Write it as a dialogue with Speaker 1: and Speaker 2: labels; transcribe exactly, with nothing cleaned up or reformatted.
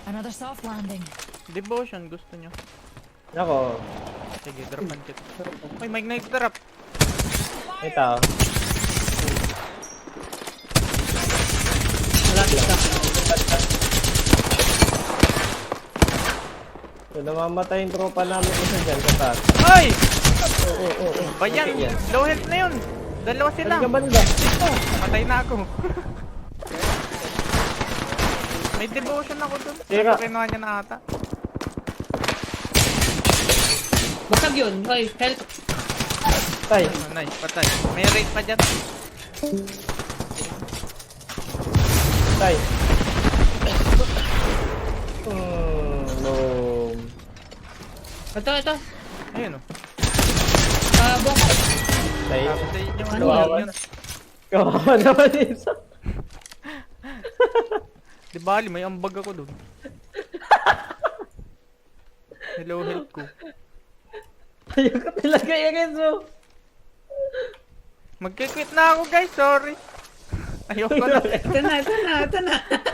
Speaker 1: Another soft landing.
Speaker 2: Devotion, gusto nyo.
Speaker 3: Ako.
Speaker 2: Sige, dropan kita. Ay, may nag-drop.
Speaker 3: May tao.
Speaker 4: Malapit ka.
Speaker 3: So, namamatay yung tropa namin isa dyan sa taas.
Speaker 2: Ay!
Speaker 3: Oo, oo, oo.
Speaker 2: Bayan,
Speaker 3: Okay, yan.
Speaker 2: low health na yun. Dalawa sila.
Speaker 3: Saan ka banda?
Speaker 2: Patay na ako. May devotion ako dun.
Speaker 3: Tira.
Speaker 2: Ito kinuha niya na ata.
Speaker 4: Basag yun. Hoy, help.
Speaker 3: Tay.
Speaker 2: Oh, nice, patay. May rate pa dyan.
Speaker 3: Tay. Hmm, no.
Speaker 4: Ito, ito.
Speaker 2: Ayun o.
Speaker 4: Ah, boko.
Speaker 3: Tay.
Speaker 2: Patay yung
Speaker 4: Ano
Speaker 2: ano
Speaker 3: yun?
Speaker 2: yun.
Speaker 3: Kawawa naman isa.
Speaker 2: Di bali, may ambag ako dun. Hello health ko.
Speaker 3: Ayaw ka talaga i-res mo.
Speaker 2: Magkikwit na ako guys, sorry. Ayoko na.
Speaker 4: Ito na, ito na, ito na.